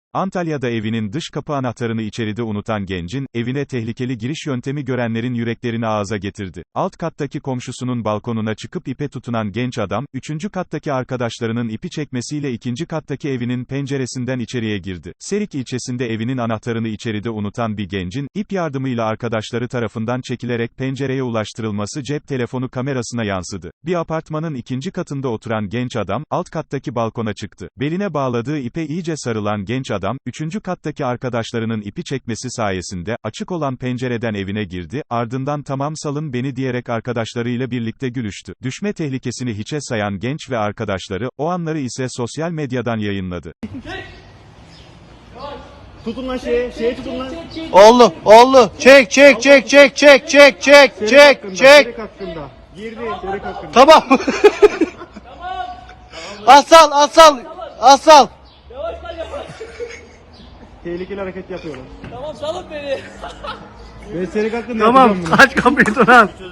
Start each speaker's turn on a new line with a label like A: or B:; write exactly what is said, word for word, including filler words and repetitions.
A: Antalya'da evinin dış kapı anahtarını içeride unutan gencin, evine tehlikeli giriş yöntemi görenlerin yüreklerini ağza getirdi. Alt kattaki komşusunun balkonuna çıkıp ipe tutunan genç adam, üçüncü kattaki arkadaşlarının ipi çekmesiyle ikinci kattaki evinin penceresinden içeriye girdi. Serik ilçesinde evinin anahtarını içeride unutan bir gencin, ip yardımıyla arkadaşları tarafından çekilerek pencereye ulaştırılması cep telefonu kamerasına yansıdı. Bir apartmanın ikinci katında oturan genç adam, alt kattaki balkona çıktı. Beline bağladığı ipe iyice sarılan genç adam, üçüncü kattaki arkadaşlarının ipi çekmesi sayesinde, açık olan pencereden evine girdi, ardından "Tamam salın beni" diyerek arkadaşlarıyla birlikte gülüştü. Düşme tehlikesini hiçe sayan genç ve arkadaşları, o anları ise sosyal medyadan yayınladı.
B: Tutun lan şeye, şeye tutun lan.
C: Oldu, oldu. Çek, çek, çek, çek, çek, çek, çek, çek, çek.
B: Serek hakkında. Girdi, serek hakkında.
C: Tamam. Asal, asal, asal.
B: Tehlikeli hareket yapıyorlar.
D: Tamam salın beni.
B: Ben serek hakkında
C: Tamam,
B: yapacağım bunu.
C: aç kapıyı Turan.